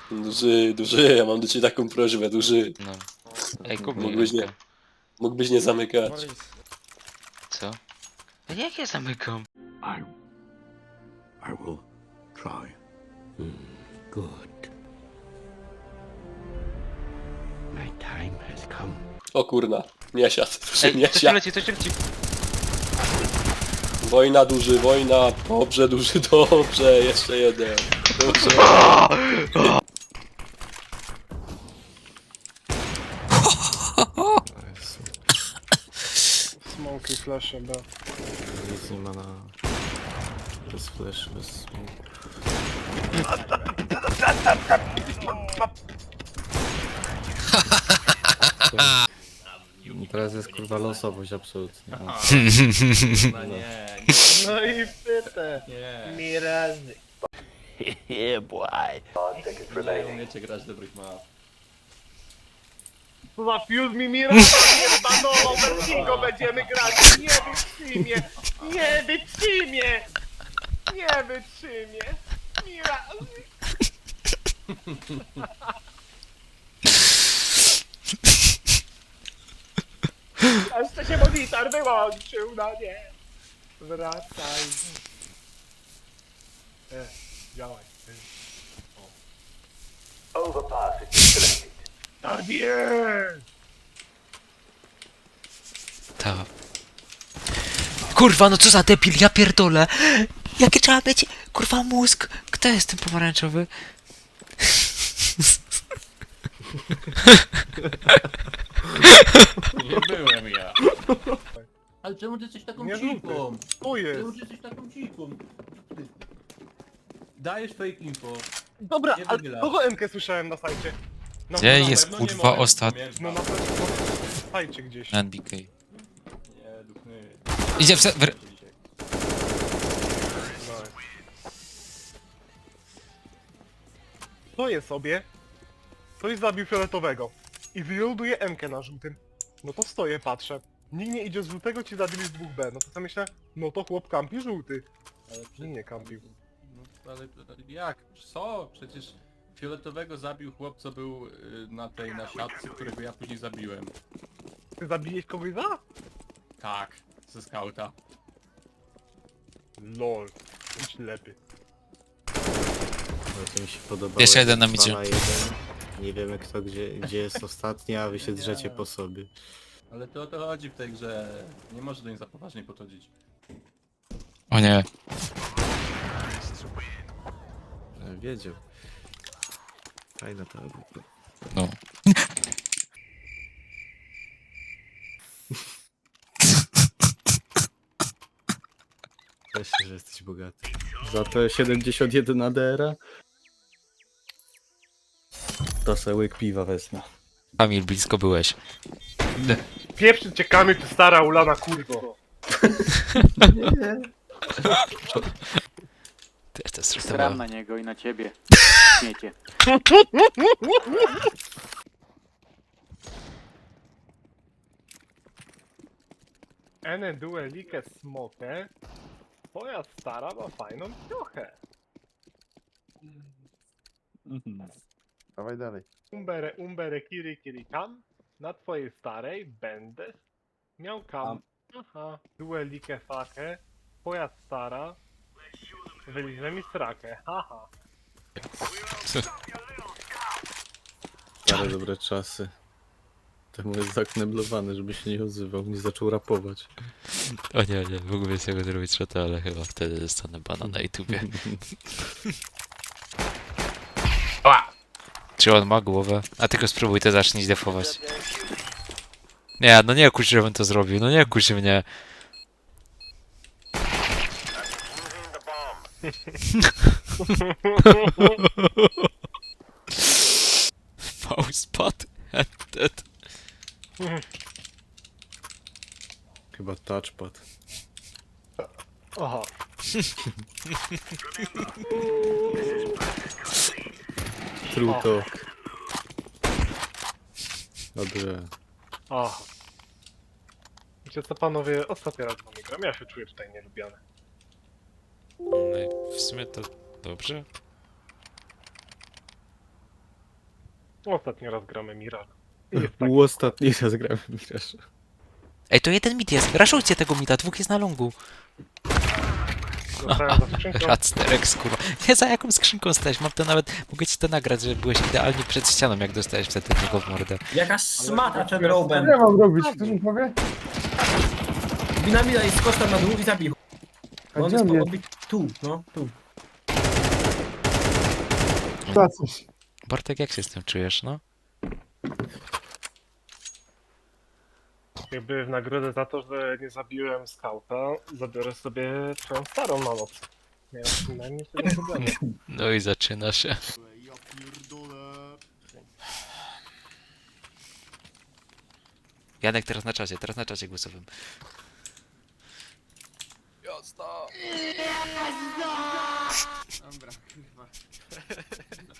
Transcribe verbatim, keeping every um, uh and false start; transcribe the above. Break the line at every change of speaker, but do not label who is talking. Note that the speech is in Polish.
Duży, duży, ja mam do ciebie taką prośbę, duży.
No. Ej, kup mi
Mógłbyś nie,
rękę.
mógłbyś nie zamykać.
Boris.
Co? No jak ja zamykam?
I. I will try.
Good. My time has come.
O kurna, nie siadł, duży,
Ej,
nie
coś tu
siadł.
leci, coś tu leci.
Wojna, duży, wojna, dobrze, duży, dobrze, jeszcze jeden. Dobrze.
Smoke i flasze, B.
Nic nie ma na... Bez flash, bez smoke. Teraz jest kurwa losowość absolutnie. No.
No nie,
No i pytę.
nie,
Mi razy.
Yeah, boy.
nie umiecie grać dobrych map.
Co za fuse mi mi razy nie zbanował, Vertigo będziemy grać. Nie wytrzymie. Nie wytrzymie. Nie wytrzymie. Mi razy. Jeszcze się monitor wyłączył, no nie. Wracaj. E, działaj. Tak jest!
Ta. Kurwa, no co za debil, ja pierdolę! Jakie trzeba być, kurwa, mózg? Kto jest ten pomarańczowy?
Nie byłem ja. Ale czemu ty jesteś taką
Nie
cichą?
Tu
Czemu
jest.
ty jesteś taką cichą? Dajesz fake info.
Dobra,
Nie
ale
wychylasz.
kogo M K słyszałem na sajcie? No,
Gdzie
na,
jest
pewno nie
kurwa
moje,
ostatni
pamiętam.
No na pewno na sajcie gdzieś.
N B K?
Nie, duchny.
Idzie w se... w...
No. Stoję sobie, ktoś zabił fioletowego i wyloaduje M K na żółtym. No to stoję, patrzę. Nikt nie idzie z żółtego, ci zabili z dwóch B. No to sobie myślę, no to chłop kampi żółty.
Ale
Nie, nie kampił.
No, ale jak? Co? Przecież fioletowego zabił chłop, co był y, na tej, na siatce, którego ja później zabiłem.
Ty zabiłeś kogoś za?
Tak, ze skauta.
Lol. Idź lepiej.
Ale to mi się podobało.
Jeszcze
jak
jeden na
dwa
midzie.
na jeden. Nie wiemy kto gdzie, gdzie jest ostatni, a wy się drzecie po sobie.
Ale to o to chodzi w tej grze. Nie może do niej za poważnie podchodzić.
O nie.
E, Wiedział. Fajna ta A W P.
No.
Cieszę się, że jesteś bogaty. Za to siedemdziesiąt jeden A D R-a? To se łyk piwa wezmę.
Kamil, blisko byłeś.
Pierwszy ciekamy, ty stara ulana kurwo.
Ty jesteś
Sram
zresztą.
na niego i na ciebie. Śmiecie.
Ene duelike smoke. Twoja stara ma fajną piochę.
Dawaj dalej.
Umbere, umbere, kiri, kiri, kam. Na twojej starej będę miał kam. Aha. Duelike fakę. Twoja stara wyliże mi srakę. Haha.
Stare dobre czasy. Temu jest zakneblowany, żeby się nie odzywał, nie zaczął rapować.
O nie, nie, mógłbym z tego zrobić shota, ale chyba wtedy dostanę bana na YouTubie. Czy on ma głowę? A tylko spróbuj to zacznij defować. Nie, no nie kuś, żebym to zrobił, no nie kuś mnie. Mousepad and dead.
Chyba touchpad.
Aha.
True talk. Dobrze.
Aha. Wiecie co panowie, ostatni raz z wami gram, ja się czuję tutaj nielubiany.
No i w sumie to dobrze.
Ostatni raz gramy Mirage. I jest tak.
U ostatni raz grałem w Mirage.
Ej, to jeden mit jest. Raszujcie tego mida, dwóch jest na longu.
Zostałem za skrzynką.
Radsterek, kurwa. Nie, za jaką skrzynką stałeś? Mam to nawet... Mogę ci to nagrać, że byłeś idealnie przed ścianą, jak dostałeś wtedy tego w mordę.
Jaka szmata przed robem.
Co ja mam robić? Ktoś mi powie?
Binamida i skocz tam na dół i zabij.
A
Bo on
gdzie
jest
on
po
jest?
odbić tu, no, tu.
Za coś.
Bartek, jak się z tym czujesz, no?
Jakby w nagrodę za to, że nie zabiłem skauta, zabiorę sobie twoją starą na noc. Nie mam przynajmniej tego problemu.
No i zaczyna się. Janek, teraz na czasie, teraz na czasie głosowym.
Dobra, kurwa.